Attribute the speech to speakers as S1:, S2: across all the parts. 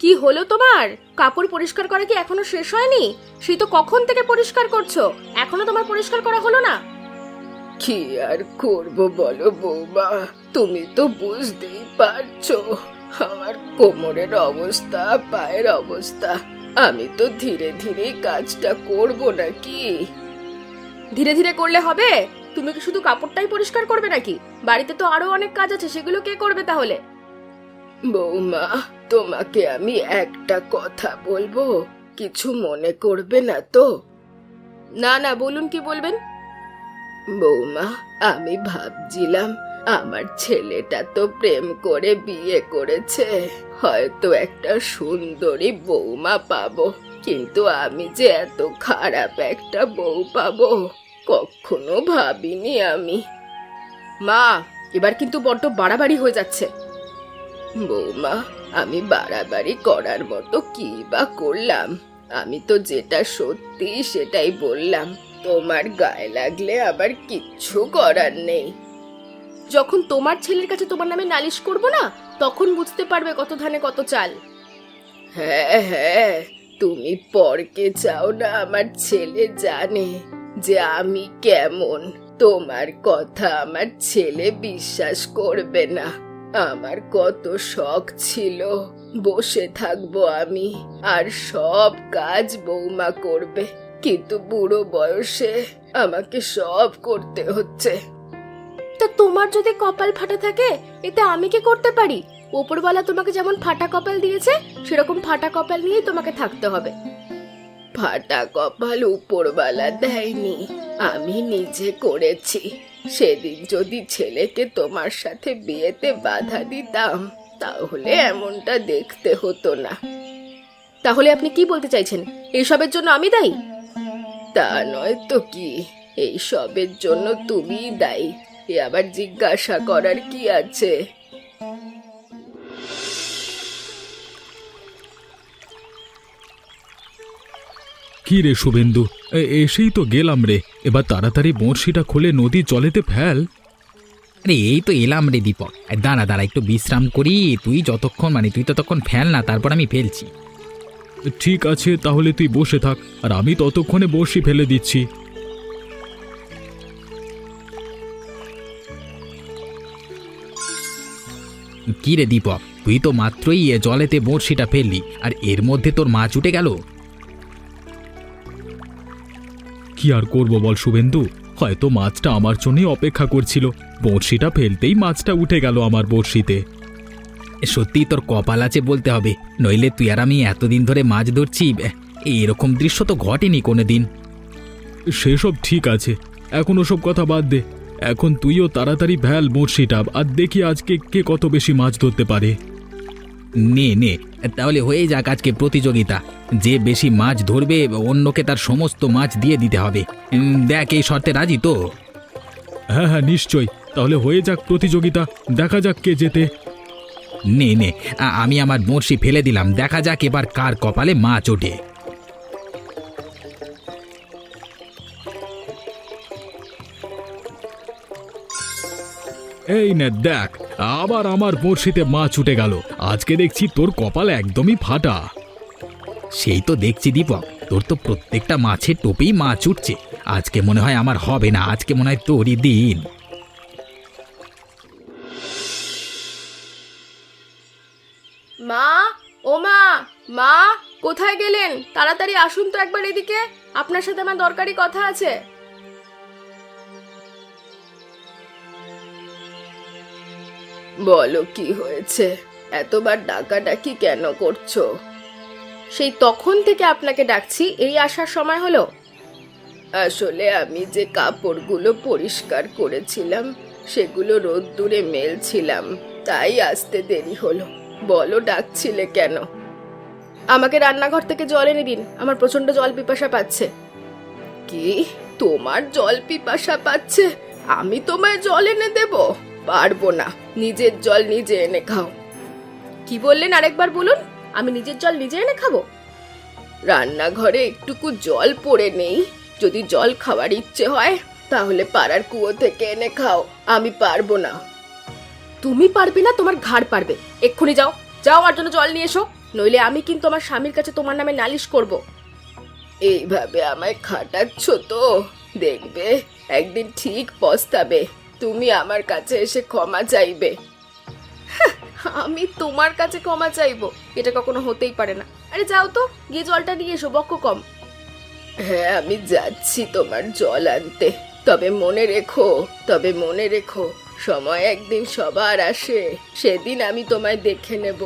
S1: কি হলো তোমার? কাপড় পরিষ্কার করা কি এখনো শেষ হয়নি? সেই তো কখন থেকে পরিষ্কার করছো, এখনো তোমার পরিষ্কার করা হলো না?
S2: কি আর করবো বলো বৌমা, তুমি তো বুঝতেই পারছো আমার কোমরের অবস্থা, পায়ের অবস্থা। আমি তো ধীরে ধীরে কাজটা করবো নাকি?
S1: ধীরে ধীরে করলে হবে? তুমি কি শুধু কাপড়টাই পরিষ্কার করবে নাকি? বাড়িতে তো আরো অনেক কাজ আছে, সেগুলো কে করবে তাহলে?
S2: বৌমা, তোমাকে আমি একটা কথা বলবো, কিছু মনে করবে না তো?
S1: না না, বলুন, কি বলবেন?
S2: বৌমা, আমি ভাবছিলাম আমার ছেলেটা তো প্রেম করে বিয়ে করেছে, হয়তো একটা সুন্দরী বৌমা পাবো, কিন্তু আমি যে এত খারাপ একটা বউ পাবো কখনো ভাবিনি আমি।
S1: মা, এবার কিন্তু বড্ড বাড়াবাড়ি হয়ে যাচ্ছে।
S2: বৌমা, আমি বাড়াবাড়ি করার মতো কি বা করলাম? আমি তো যেটা সত্যি সেটাই বললাম, তোমার গায়ে লাগলে আবার কিচ্ছু করার নেই।
S1: যখন তোমার ছেলের কাছে তোমার নামে নালিশ করব না, তখন বুঝতে পারবে কত ধানে কত চাল।
S2: হ্যাঁ হ্যাঁ, তুমি পরকে চাও না আমার ছেলে জানে যে আমি কেমন। তোমার কথা আমার ছেলে বিশ্বাস করবে না। আমার কত শখ ছিল বসে থাকবো আমি, আর সব কাজ বৌমা করবে, কিন্তু বুড়ো বয়সে আমাকে সব করতে হচ্ছে।
S1: তা তোমার যদি কপাল ফাটা থাকে, এতে আমি কি করতে পারি? ওপরওয়ালা তোমাকে যেমন ফাটা কপাল দিয়েছে, সেরকম ফাটা কপাল নিয়েই তোমাকে থাকতে হবে।
S2: ফাটা কপাল উপরওয়ালা দেয়নি, আমি নিজে করেছি। সেদিন যদি ছেলেকে তোমার সাথে বিয়েতে বাধা দিতাম, তাহলে এমনটা দেখতে হতো না।
S1: তাহলে আপনি কি বলতে চাইছেন? এইসবের জন্য আমি দায়ী?
S2: তা নয় তো কি, এই সবের জন্য তুমিই দায়ী, এ আবার জিজ্ঞাসা করার কি আছে?
S3: কি রে শুভেন্দু, এসেই তো গেলাম রে। এবার তাড়াতাড়ি বড়শিটা খুলে নদীর জলেতে ফেল।
S4: আরে এই তো এলাম রে দীপক, দাঁড়া দাঁড়া একটু বিশ্রাম করি। তুই ততক্ষণ ফেল না, তারপর আমি ফেলছি।
S3: ঠিক আছে, তাহলে তুই বসে থাক, আর আমি ততক্ষণে বড়শি ফেলে দিচ্ছি।
S4: কি রে দীপক, তুই তো মাত্রই জলেতে বড়শিটা ফেললি, আর এর মধ্যে তোর মাছ উঠে গেল।
S3: কি আর করব বল শুভেন্দু, হয়তো মাছটা আমার জন্যই অপেক্ষা করছিল। বড়শিটা ফেলতেই মাছটা উঠে গেল আমার বড়শিতে।
S4: সত্যিই তোর কপাল আছে বলতে হবে, নইলে তুই আর আমি এতদিন ধরে মাছ ধরছি, এরকম দৃশ্য তো ঘটেনি কোনোদিন।
S3: সেসব ঠিক আছে, এখন ওসব কথা বাদ দে। এখন তুইও তাড়াতাড়ি ফেল বড়শিটা, আর দেখি আজকে কে কত বেশি মাছ ধরতে পারে।
S4: নে নে, তাহলে হয়ে যাক আজকে প্রতিযোগিতা। যে বেশি মাছ ধরবে অন্যকে তার সমস্ত মাছ দিয়ে দিতে হবে। দেখ, এই শর্তে রাজি তো?
S3: হ্যাঁ হ্যাঁ, নিশ্চয়ই। তাহলে হয়ে যাক প্রতিযোগিতা, দেখা যাক কে জেতে।
S4: নে নে, আমি আমার বড়শি ফেলে দিলাম, দেখা যাক এবার কার কপালে মাছ ওঠে।
S3: এই নে দেখ, আবার আমার বড়শিতে মাছ উঠে গেল। আজকে দেখছি তোর কপাল একদমই ফাটা।
S4: সেই তো দেখছি দীপক, তোর তো প্রত্যেকটা মাছের টোপেই মাছ উঠছে। আজকে মনে হয় আমার হবে না, আজকে মনে হয় তোরই দিন।
S1: মা, ও মা, মা, কোথায় গেলেন? তাড়াতাড়ি আসুন তো একবার এদিকে, আপনার সাথে আমার দরকারি কথা আছে।
S2: বলো কি হয়েছে? এতবার ডাকাডাকি কেন করছো?
S1: সেই তখন থেকে আপনাকে ডাকছি, এই আসার সময় হলো?
S2: আসলে আমি যে কাপড়গুলো পরিষ্কার করেছিলাম সেগুলো রোদ্দুরে মেলছিলাম, তাই আসতে দেরি হলো। বলো ডাকছিলে কেন?
S1: আমাকে রান্নাঘর থেকে জল এনে দিন, আমার প্রচন্ড জল পিপাসা পাচ্ছে।
S2: কি, তোমার জল পিপাসা পাচ্ছে? আমি তোমায় জল এনে দেব? পারবো না, নিজের জল নিজে এনে খাও।
S1: কি বললেন আরেকবার বলুন? আমি নিজের জল নিজে এনে খাবো?
S2: রান্নাঘরে একটুকু জল পড়ে নেই, যদি জল খাওয়ার ইচ্ছে হয় তাহলে পাড়ার কুয়ো থেকে এনে খাও, আমি পারবো না।
S1: তুমি পারবে না? তোমার ঘাড় পারবে। এক্ষুনি যাও, যাও আমার জন্য জল নিয়ে এসো। নইলে আমি কিন্তু আমার স্বামীর কাছে তোমার নামে নালিশ করব।
S2: এইভাবে আমায় খাটাচ্ছ তো, দেখবে একদিন ঠিক পস্তাবে। তুমি আমার কাছে এসে ক্ষমা চাইবে।
S1: আমি তোমার কাছে ক্ষমা চাইবো? এটা কখনো হতেই পারে না। আরে যাও তো, গিয়ে জলটা নিয়ে এসো, বক্ক কম।
S2: হ্যাঁ, আমি যাচ্ছি তোমার জল আনতে। তবে মনে রেখো সময় একদিন সবার আসে, সেদিন আমি তোমায় দেখে নেব।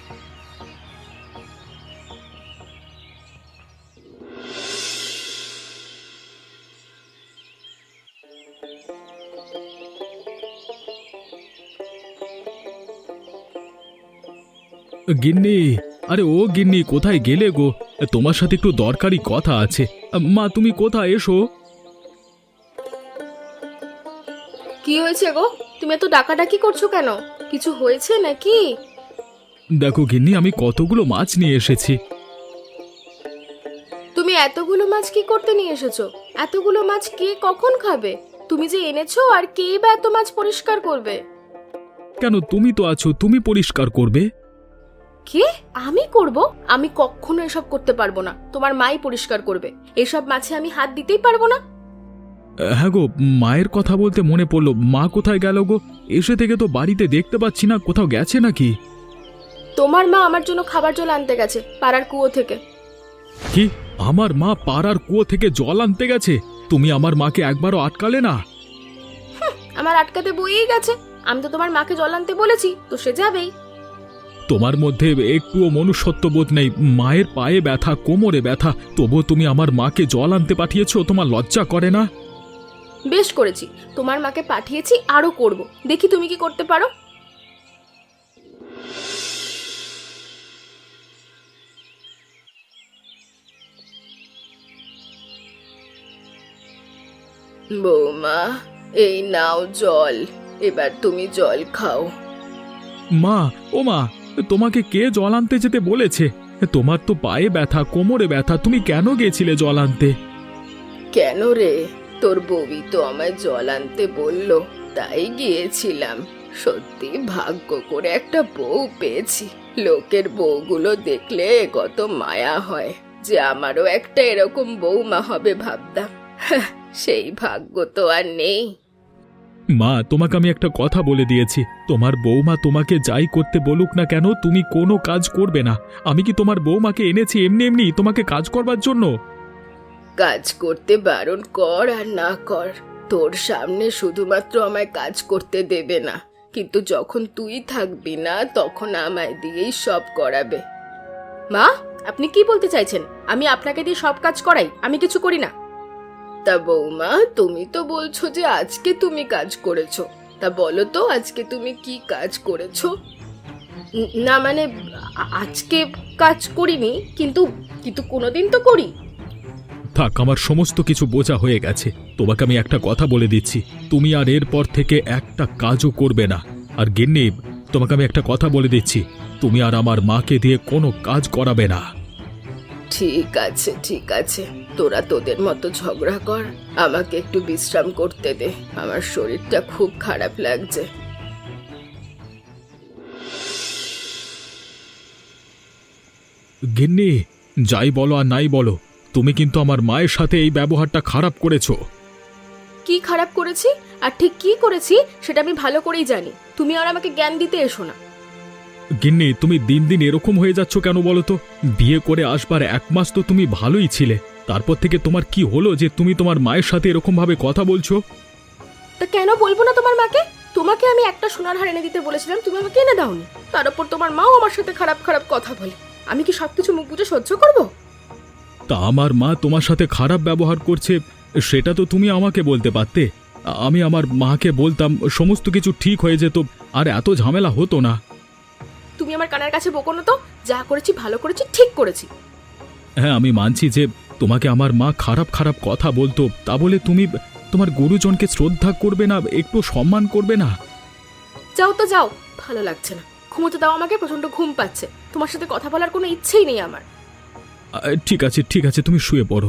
S3: গিন্নি, আরে ও গিন্নি, কোথায় গেলে গো? তোমার সাথে একটু দরকারি কথা আছে। মা, তুমি কোথায়, এসো।
S1: কি হয়েছে গো? তুমি এত ডাকাডাকি করছো কেন? কিছু হয়েছে নাকি?
S3: দেখো গিন্নি, আমি কতগুলো মাছ নিয়ে এসেছি।
S1: তুমি এতগুলো মাছ কি করতে নিয়ে এসেছো? এতগুলো মাছ কে কখন খাবে? তুমি যে এনেছো, আর কেই বা এত মাছ পরিষ্কার করবে?
S3: কেন, তুমি তো আছো, তুমি পরিষ্কার করবে।
S1: কে? আমি করব? আমি কখনো এসব করতে পারবো না। তোমার মাই পরিষ্কার করবে। এসব মাছে আমি হাত দিতেই পারবো না।
S3: হ্যাঁ গো, মায়ের কথা বলতে মনে পড়লো, মা কোথায় গেল গো? এসে থেকে তো বাড়িতে দেখতে পাচ্ছি না, কোথাও গেছে নাকি?
S1: তোমার মা আমার জন্য খাবার জল আনতে গেছে পাড়ার কুয়ো থেকে।
S3: কি? আমার মা পাড়ার কুয়ো থেকে জল আনতে গেছে? তুমি আমার মাকে একবারও আটকালে না?
S1: আমার আটকাতে বইই গেছে। আমি তো তোমার মাকে জল আনতে বলেছি, তো সে যাবেই।
S3: তোমার মধ্যে একটুও মনুষ্যত্ব বোধ নেই। মায়ের পায়ে ব্যথা, কোমরে ব্যথা, তবুও তুমি আমার মাকে জল আনতে পাঠিয়েছো। তোমার লজ্জা করে না?
S1: বেশ করেছি, তোমার মাকে পাঠিয়েছি, আরো করব। দেখি তুমি কি করতে পারো।
S2: বৌমা, এই নাও জল, এবার তুমি জল খাও।
S3: মা, ও মা, তোমাকে কে জল আনতে যেতে বলেছে? তোমার তো পায়ে ব্যথা, কোমরে ব্যথা, তুমি কেন গেছিলে জল আনতে?
S2: কেন রে, তোর বউই তো আমায় জল আনতে বলল, তাই গিয়েছিলাম। সত্যি ভাগ্য করে একটা বউ পেয়েছি। লোকের বউগুলো দেখলে কত মায়া হয়, যে আমারও একটা এরকম বউমা হবে ভাবতাম। সেই ভাগ্য তো আর নেই।
S3: মা, তোমাকে আমি একটা কথা বলে দিয়েছি, তোমার বৌমা তোমাকে যাই করতে বলুক না কেন, তুমি কোনো কাজ করবে না। আমি কি তোমার বৌমাকে এনেছি এমনি এমনি তোমাকে কাজ করবার জন্য?
S2: কাজ করতে বারণ কর আর না কর, তোর সামনে শুধুমাত্র আমায় কাজ করতে দেবে না, কিন্তু যখন তুই থাকবি না তখন আমায় দিয়েই সব করাবে।
S1: মা, আপনি কি বলতে চাইছেন? আমি আপনাকে দিয়ে সব কাজ করাই? আমি কিছু করি না।
S2: তা বৌমা, তুমি তো বলছো যে আজকে তুমি কাজ করেছো, তা বলো তো আজকে তুমি কি কাজ করেছো?
S1: না মানে, আজকে কাজ করিনি, কিন্তু কিন্তু কোনোদিন তো করি।
S3: থাক, আমার সমস্ত কিছু বোঝা হয়ে গেছে। তোমাকে আমি একটা কথা বলে দিচ্ছি, তুমি আর এরপর থেকে একটা কাজও করবে না। আর গিন্নি, তোমাকে আমি একটা কথা বলে দিচ্ছি, তুমি আর আমার মাকে দিয়ে কোনো কাজ করাবে না।
S2: ঠিক আছে, তোরা তোদের মতো ঝগড়া কর, আমাকে একটু বিশ্রাম করতে দে, আমার শরীরটা খুব খারাপ লাগছে।
S3: গিন্নি, যাই বলো আর নাই বলো, তুমি কিন্তু আমার মায়ের সাথে এই ব্যবহারটা খারাপ করেছো।
S1: কি খারাপ করেছি আর ঠিক কি করেছি সেটা আমি ভালো করেই জানি। তুমি আর আমাকে জ্ঞান দিতে এসো না।
S3: গিন্নি, তুমি দিন দিন এরকম হয়ে যাচ্ছ কেন বলো তো? বিয়ে করে আসবার 1 মাস তো তুমি ভালোই ছিলে, তারপর থেকে তোমার কি হলো যে তুমি তোমার মায়ের সাথে এরকম ভাবে কথা বলছো?
S1: তা কেন বলবো না তোমার মাকে? তোমাকে আমি একটা সোনার হার এনে দিতে বলেছিলাম, তুমি আমাকে এনে দাওনি। তার উপর তোমার মাও আমার সাথে খারাপ খারাপ কথা বলে। আমি কি সবকিছু মুখ বুজে সহ্য করব?
S3: তা আমার মা তোমার সাথে খারাপ ব্যবহার করছে, সেটা তো তুমি আমাকে বলতে পারতে। আমি আমার মাকে বলতাম, সমস্ত কিছু ঠিক হয়ে যেত, আর এত ঝামেলা হতো না।
S1: তুমি আমার কানের কাছে বকো না তো। যা করেছি ভালো করেছি, ঠিক করেছি।
S3: হ্যাঁ, আমি মানছি যে তোমাকে আমার মা খারাপ খারাপ কথা বলতো, তা বলে তুমি তোমার গুরুজনকে শ্রদ্ধা করবে না, একটু সম্মান করবে না?
S1: যাও তো যাও, ভালো লাগছে না। ঘুমোতে দাও আমাকে, প্রচন্ড ঘুম পাচ্ছে। তোমার সাথে কথা বলার কোনো ইচ্ছেই নেই আমার।
S3: ঠিক আছে, তুমি শুয়ে পড়ো।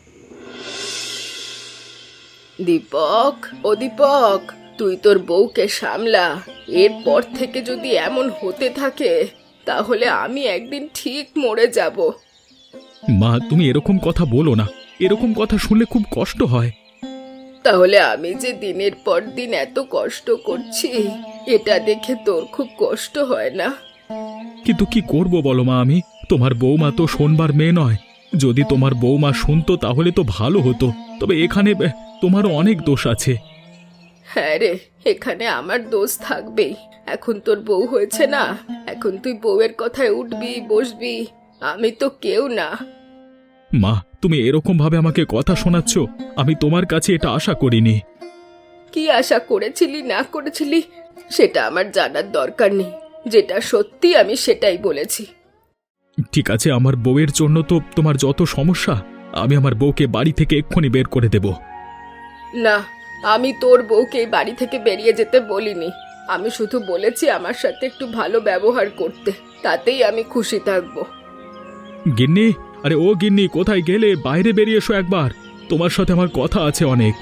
S2: দীপক, ও দীপক, তুই তোর বউকে সামলা। এরপর থেকে যদি এমন হতে থাকে তাহলে আমি একদিন ঠিক মরে যাব।
S3: মা তুমি এরকম কথা বলো না, এরকম কথা শুনলে খুব কষ্ট হয়।
S2: তাহলে আমি যে দিনের পর দিন এত কষ্ট করছি, এটা দেখে তোর খুব কষ্ট হয় না?
S3: কিন্তু কি করব বলো মা, আমি তোমার বৌমা তো শোনবার মেয়ে নয়। যদি তোমার বৌমা শুনতো তাহলে তো ভালো হতো, তবে এখানে তোমারও অনেক দোষ আছে।
S2: হ্যাঁ রে, এখানে আমার দোষ থাকবেই। এখন তোর বউ হয়েছে না, এখন তুই বউয়ের কথায় উঠবি বসবি, আমি তো কেউ না।
S3: মা তুমি এরকম ভাবে আমাকে কথা শোনাচ্ছ, আমি তোমার কাছে এটা আশা করিনি।
S2: কি আশা করেছিলি না করেছিলি সেটা আমার জানার দরকার নেই, যেটা সত্যি আমি সেটাই বলেছি।
S3: ঠিক আছে, আমার বউয়ের জন্য তো তোমার যত সমস্যা, আমি আমার বউকে বাড়ি থেকে এক্ষুনি বের করে দেব।
S2: না, আমি তোর বউকে এই বাড়ি থেকে বেরিয়ে যেতে বলিনি। আমি শুধু বলেছি আমার সাথে একটু ভালো ব্যবহার করতে, তাতেই আমি খুশি থাকবো।
S3: গিন্নি, আরে ও গিন্নি, কোথায় গেলে? বাইরে বেরিয়ে এসো একবার, তোমার সাথে আমার কথা আছে অনেক।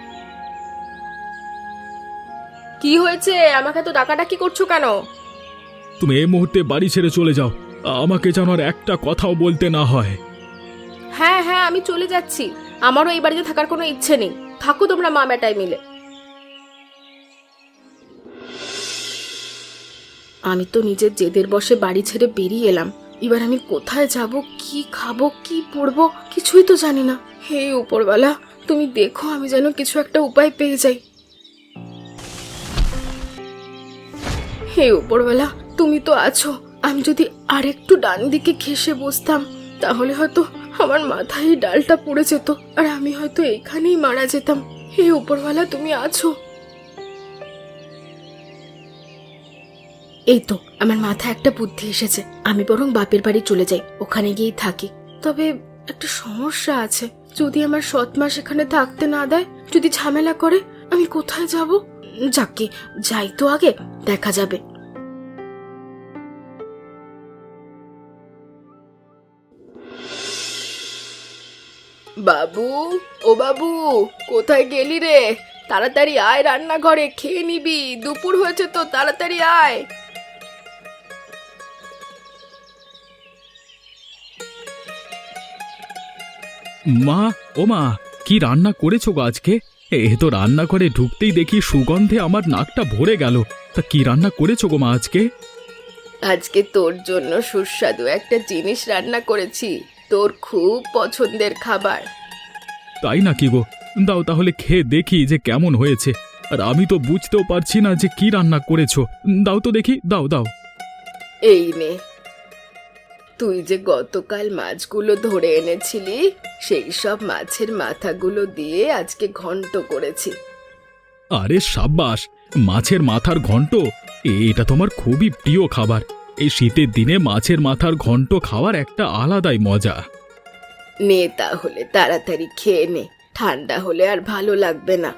S1: কি হয়েছে? আমাকে তো ডাকাডাকি করছো কেন?
S3: তুমি এই মুহূর্তে বাড়ি ছেড়ে চলে যাও, আমাকে যেন আর একটা কথাও বলতে না হয়।
S1: হ্যাঁ হ্যাঁ, আমি চলে যাচ্ছি। আমারও এই বাড়িতে থাকার কোনো ইচ্ছে নেই। থাকো তোমরা মা বেটায় মিলে। আমি তো নিজের জেদের বশে বাড়ি ছেড়ে বেরিয়ে এলাম। এবার আমি কোথায় যাব, কি খাবো, কি পরবো, কিছুই তো জানি না। হে উপরওয়ালা, তুমি দেখো আমি যেন কিছু একটা উপায় পেয়ে যাই। হে উপরওয়ালা, তুমি তো আছো। আমি যদি আরেকটু ডান দিকে ঘেঁষে বসতাম, তাহলে হয়তো আমার মাথায় এই ডালটা পড়ে যেত, আর আমি হয়তো এখানেই মারা যেতাম। হে উপরওয়ালা, তুমি আছো? এই তো আমার মাথায় একটা বুদ্ধি এসেছে। আমি বরং বাপের বাড়ি চলে যাই, ওখানে গিয়েই থাকি। তবে একটা সমস্যা আছে, যদি আমার সৎমা সেখানে থাকতে না দেয়, যদি ঝামেলা করে, আমি কোথায় যাব? যাকে যাই তো, আগে দেখা যাবে।
S2: বাবু, ও বাবু, কোথায় গেলি রে? তাড়াতাড়ি আয়, রান্নাঘরে খেয়ে নিবি, দুপুর হয়েছে তো, তাড়াতাড়ি আয়।
S3: মা, ও মা, কি রান্না করেছো গো আজকে? এ তো রান্না করে ঢুকতেই দেখি সুগন্ধে আমার নাকটা ভরে গেল। তা কি রান্না করেছো গো মা আজকে?
S2: আজকে তোর জন্য সুস্বাদু একটা জিনিস রান্না করেছি, তোর খুব পছন্দের খাবার।
S3: তাই নাকি গো? দাও তাহলে খেয়ে দেখি যে কেমন হয়েছে। আর আমি তো বুঝতেও পারছি না যে কি রান্না করেছো। দাও তো দেখি, দাও দাও।
S2: এই নে, তুই যে গতকাল মাছগুলো ধরে এনেছিলি, সেই সব মাছের মাথাগুলো দিয়ে আজকে ঘন্ট করেছি।
S3: আরে সাব্বাস, মাছের মাথার ঘন্ট! এটা তোমার খুবই প্রিয় খাবার। এই শীতের দিনে মাছের মাথার ঘন্ট খাওয়ার একটা আলাদাই মজা।
S2: নে তাহলে তাড়াতাড়ি খেয়ে নে, ঠান্ডা হলে আর ভালো লাগবে না।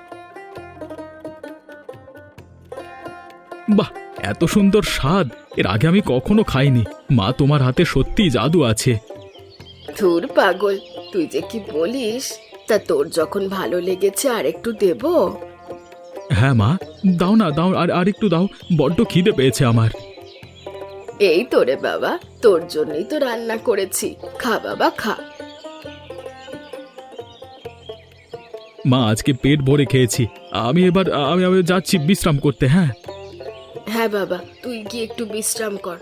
S3: বাহ, এত সুন্দর স্বাদ! এর আগে আমি কখনো খাইনি। মা, তোমার হাতে সত্যি জাদু আছে।
S2: ধুর পাগল, তুই যে কি বলিস! তা তোর যখন ভালো লেগেছে আর একটু দেব?
S3: হ্যাঁ মা, দাও না, দাও, আর একটু দাও, বড্ড খিদে পেয়েছে আমার।
S2: এই তো রে বাবা, তোর জন্যই তো রান্না করেছি, খা বাবা খা।
S3: মা, আজকে পেট ভরে খেয়েছি। আমি যাচ্ছি বিশ্রাম করতে। হ্যাঁ
S2: হ্যাঁ বাবা, তুই গিয়ে একটু বিশ্রাম কর।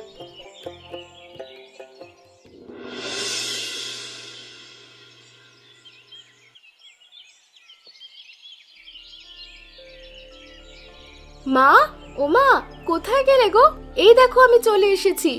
S1: মা, ও মা, কোথায় গেলে গো? এই দেখো আমি চলে এসেছি।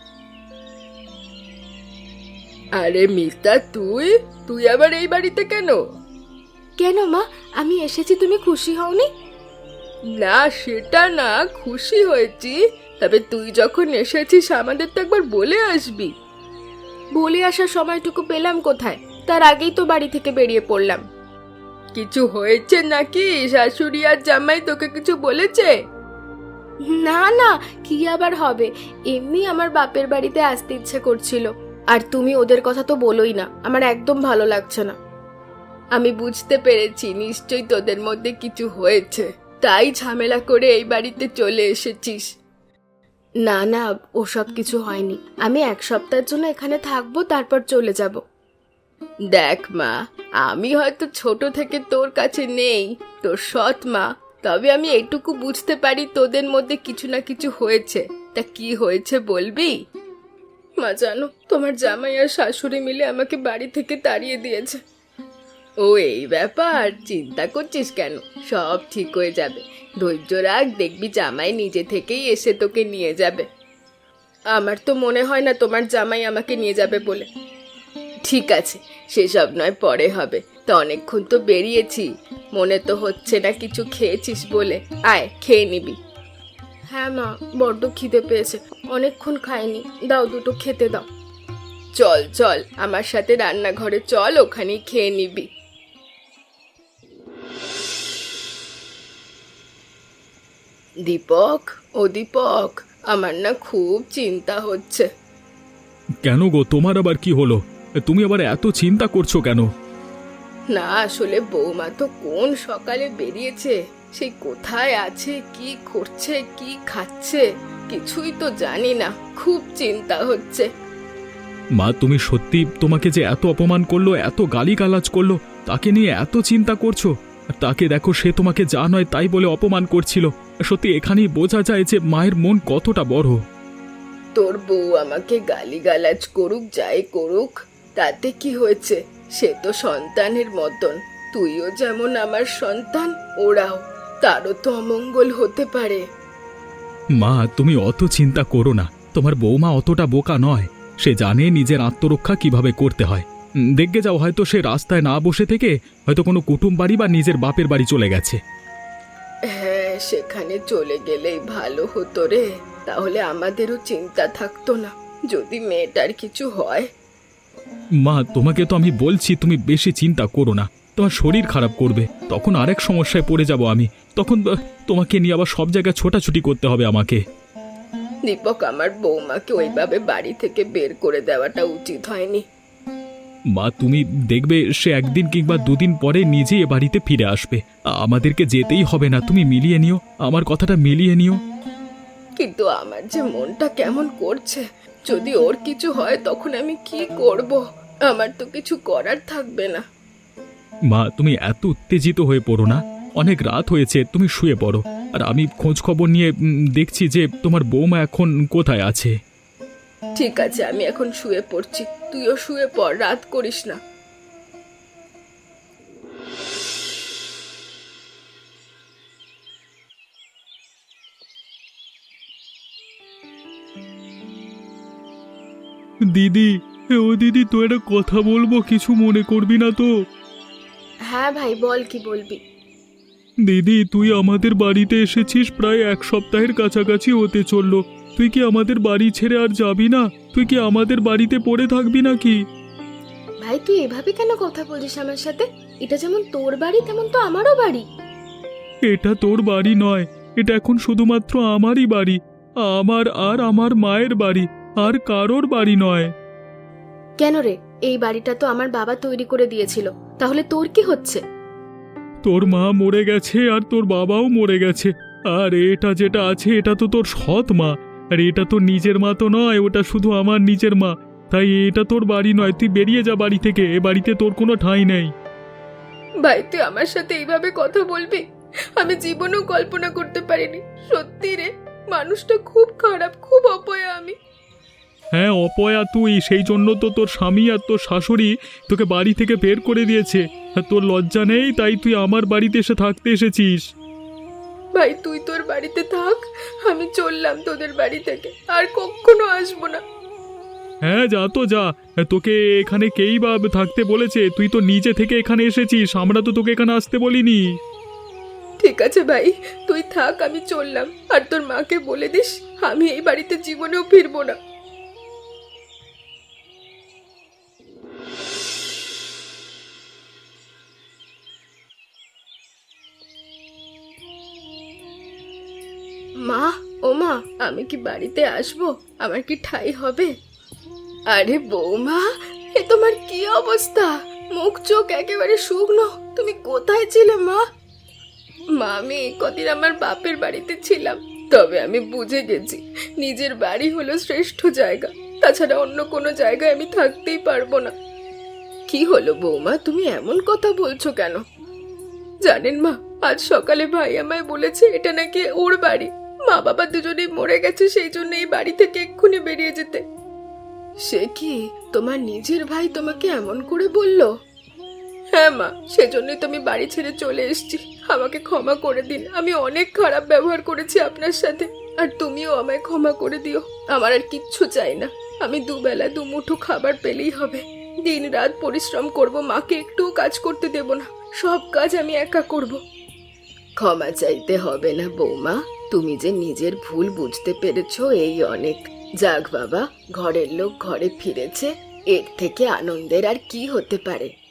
S2: আরে মিতা, তুই তুই আবার এই বাড়িতে কেন?
S1: কেন মা, আমি এসেছি, তুমি খুশি হওনি?
S2: না, সেটা না, খুশি হয়েছি। তবে তুই যখন এসেছিস আমাদের তো একবার বলে আসবি।
S1: বলে আসার সময়টুকু পেলাম কোথায়? তার আগেই তো বাড়ি থেকে বেরিয়ে পড়লাম।
S2: কিছু হয়েছে নাকি? শাশুড়ি আর জামাই তোকে কিছু বলেছে?
S1: না না, কি আবার হবে, এমনি আমার বাপের বাড়িতে আসতে ইচ্ছে করছিল। আর তুমি ওদের কথা তো বলোই না, আমার একদম ভালো লাগছে না।
S2: আমি বুঝতে পেরেছি, নিশ্চয়ই তোদের মধ্যে কিছু হয়েছে, তাই ঝামেলা করে এই বাড়িতে চলে এসেছিস।
S1: না না, ওসব কিছু হয়নি। আমি 1 সপ্তাহের জন্য এখানে থাকবো, তারপর চলে যাব।
S2: দেখ মা, আমি হয়তো ছোট থেকে তোর কাছে নেই, তোর সৎ মা, তবে আমি এটুকু বুঝতে পারি তোদের মধ্যে কিছু না কিছু হয়েছে। তা কি হয়েছে বলবি?
S1: মা জানো, তোমার জামাই আর শাশুড়ি মিলে আমাকে বাড়ি থেকে তাড়িয়ে দিয়েছে।
S2: ও এই ব্যাপার, চিন্তা করছিস কেন? সব ঠিক হয়ে যাবে, ধৈর্য রাখ, দেখবি জামাই নিজে থেকেই এসে তোকে নিয়ে যাবে।
S1: আমার তো মনে হয় না তোমার জামাই আমাকে নিয়ে যাবে বলে।
S2: ঠিক আছে, সেসব নয় পরে হবে। তো অনেকক্ষণ তো বেরিয়েছি, মনে তো হচ্ছে না কিছু খেয়েছিস বলে। আয় খেয়ে নিবি।
S1: হ্যাঁ মা, বড্ড খিদে পেয়েছে, অনেকক্ষণ খাইনি, দাও দুটো খেতে দাও।
S2: চল চল আমার সাথে রান্নাঘরে চল, ওখানেই খেয়ে নিবি। দীপক, ও দীপক, আমার না খুব চিন্তা হচ্ছে।
S3: কেন গো, তোমার আবার কি হলো? তুমি আবার এত চিন্তা করছো কেন?
S2: না আসলে বৌমা তো কোন সকালে বেরিয়েছে, সেই কোথায় আছে, কি করছে, কি খাচ্ছে, কিছুই তো জানি না, খুব চিন্তা হচ্ছে।
S3: মা, তুমি সত্যি তোমাকে যে এত অপমান করলো, এত গালিগালাজ করলো, তাকে নিয়ে এত চিন্তা করছো? আর তাকে দেখো, সে তোমাকে যা নয় তাই বলে অপমান করছিল। সত্যি এখানেই বোঝা যায় যে মায়ের মন কতটা বড়।
S2: তোর বউ আমাকে গালিগালাজ করুক, যাই করুক, তাতে কি হয়েছে? সে তো সন্তানের মতন, তুইও যেমন আমার সন্তান, ওরাও, তারও তো অমঙ্গল হতে পারে।
S3: মা, তুমি অত চিন্তা করো না, তোমার বৌমা অতটা বোকা নয়, সে জানে নিজের আত্মরক্ষা কিভাবে করতে হয়। দেখবে যাও, হয়তো সে রাস্তায় না বসে থেকে হয়তো কোনো কুটুম বাড়ি বা নিজের বাপের বাড়ি চলে গেছে।
S2: হ্যাঁ, সেখানে চলে গেলেই ভালো হতো রে, তাহলে আমাদেরও চিন্তা থাকতো না যদি মেয়েটার কিছু হয়।
S3: মা, তোমাকে তো আমি বলছি তুমি বেশি চিন্তা করো না, তোমার শরীর খারাপ করবে, তখন আরেক সমস্যায় পড়ে যাব আমি, তখন তোমাকে নিয়ে আবার সব জায়গায় ছোটাছুটি করতে হবে আমাকে।
S2: দীপক, আমার বৌমাকে ওইভাবে বাড়ি থেকে বের করে দেওয়াটা উচিত হয়নি।
S3: মা, তুমি দেখবে সে একদিন কিংবা দুদিন পরে নিজেই এ বাড়িতে ফিরে আসবে, আমাদেরকে যেতেই হবে না, তুমি মিলিয়ে নিও, আমার কথাটা মিলিয়ে নিও।
S2: কিন্তু আমার যে মনটা কেমন করছে, যদি ওর কিছু হয় তখন আমি কি করব? আমার তো কিছু করার থাকবে না।
S3: মা, তুমি এত উত্তেজিত হয়ে পড়ো না, অনেক রাত হয়েছে, তুমি শুয়ে পড়ো, আর আমি খোঁজ খবর নিয়ে দেখছি যে তোমার বৌমা এখন কোথায় আছে।
S2: ঠিক আছে, আমি এখন শুয়ে পড়ছি, তুইও শুয়ে পড়, রাত করিস না।
S3: দিদি, ও দিদি, তো একটা কথা বলবো, কিছু মনে করবি না তো?
S1: হ্যাঁ ভাই, বল, কি বলবি?
S3: দিদি, তুই আমাদের বাড়িতে এসেছিস প্রায় 1 সপ্তাহের কাছাকাছি হতে চললো, তুই কি আমাদের বাড়ি ছেড়ে আর যাবি না? তুই কি আমাদের বাড়িতে পড়ে থাকবি নাকি?
S1: ভাই, তুই এভাবে কেন কথা বলিস আমার সাথে? এটা যেমন তোর বাড়ি, তেমন তো আমারও বাড়ি।
S3: এটা তোর বাড়ি নয়, এটা এখন শুধুমাত্র আমারই বাড়ি, আমার আর আমার মায়ের বাড়ি, আর কারোর বাড়ি নয়।
S1: কেন রে? এই বাড়িটা তো আমার বাবা তৈরি করে দিয়েছিল, তাহলে তোর কি হচ্ছে?
S3: তোর মা মরে গেছে আর তোর বাবাও মরে গেছে, আর এটা যেটা আছে এটা তো তোর সৎ মা, আর এটা তোর নিজের মা তো নয়, ওটা শুধু আমার নিজের মা, তাই এটা তোর বাড়ি নয়, তুই বেরিয়ে যা বাড়ি থেকে, এ বাড়িতে তোর কোনো ঠাঁই নেই।
S1: ভাই, তুই আমার সাথে এইভাবে কথা বলবি? আমি জীবনেও কল্পনা করতে পারিনি। সত্যি রে, মানুষটা খুব খারাপ, খুব অপয়া আমি।
S3: হ্যাঁ, অপয়া তুই, সেই জন্য তো তোর স্বামী আর তোর শাশুড়ি তোকে বাড়ি থেকে বের করে দিয়েছে, আর তোর লজ্জা নেই, তাই তুই আমার বাড়িতে এসে থাকতে এসেছিস।
S1: ভাই, তুই তোর বাড়িতে থাক, আমি চললাম তোদের বাড়ি থেকে, আর কখনো আসবো না।
S3: হ্যাঁ, যা তো যা, তোকে এখানে কেই বা থাকতে বলেছে? তুই তো নিজে থেকে এখানে এসেছিস, আমরা তো তোকে এখানে আসতে বলিনি।
S1: ঠিক আছে ভাই, তুই থাক, আমি চললাম, আর তোর মাকে বলে দিস আমি এই বাড়িতে জীবনেও ফিরবো না। মা, ও মা, আমি কি বাড়িতে আসবো? আমার কি ঠাঁই হবে?
S2: আরে বৌমা,
S1: এ তোমার কি অবস্থা? মুখ চোখ একেবারে শুকনো, তুমি কোথায় ছিলে মা? মা, আমি এই কদিন আমার বাপের বাড়িতে ছিলাম,
S2: তবে আমি বুঝে গেছি নিজের বাড়ি হলো শ্রেষ্ঠ জায়গা, তাছাড়া অন্য কোনো জায়গায় আমি থাকতেই পারবো না। কি হলো বৌমা, তুমি এমন কথা বলছো কেন? জানেন মা, আজ সকালে ভাই আমায় বলেছে এটা নাকি ওর বাড়ি। মা বাবা দুজনেই মরে গেছে, সেই জন্য এই বাড়ি থেকে এক্ষুনি বেরিয়ে যেতে। সে কি, তোমার নিজের ভাই তোমাকে এমন করে বলল? হ্যাঁ মা, সেজন্যই তো আমি বাড়ি ছেড়ে চলে এসেছি। আমাকে ক্ষমা করে দিন, আমি অনেক খারাপ ব্যবহার করেছি আপনার সাথে, আর তুমিও আমায় ক্ষমা করে দিও। আমার আর কিচ্ছু চাই না, আমি দুবেলা দুমুঠো খাবার পেলেই হবে। দিন রাত পরিশ্রম করব, মাকে একটুও কাজ করতে দেব না, সব কাজ আমি একা করব। ক্ষমা চাইতে হবে না বৌমা, তুমি যে নিজের ভুল বুঝতে পেরেছো এই অনেক। যাক বাবা, ঘরের লোক ঘরে ফিরেছে, এর থেকে আনন্দের আর কি হতে পারে।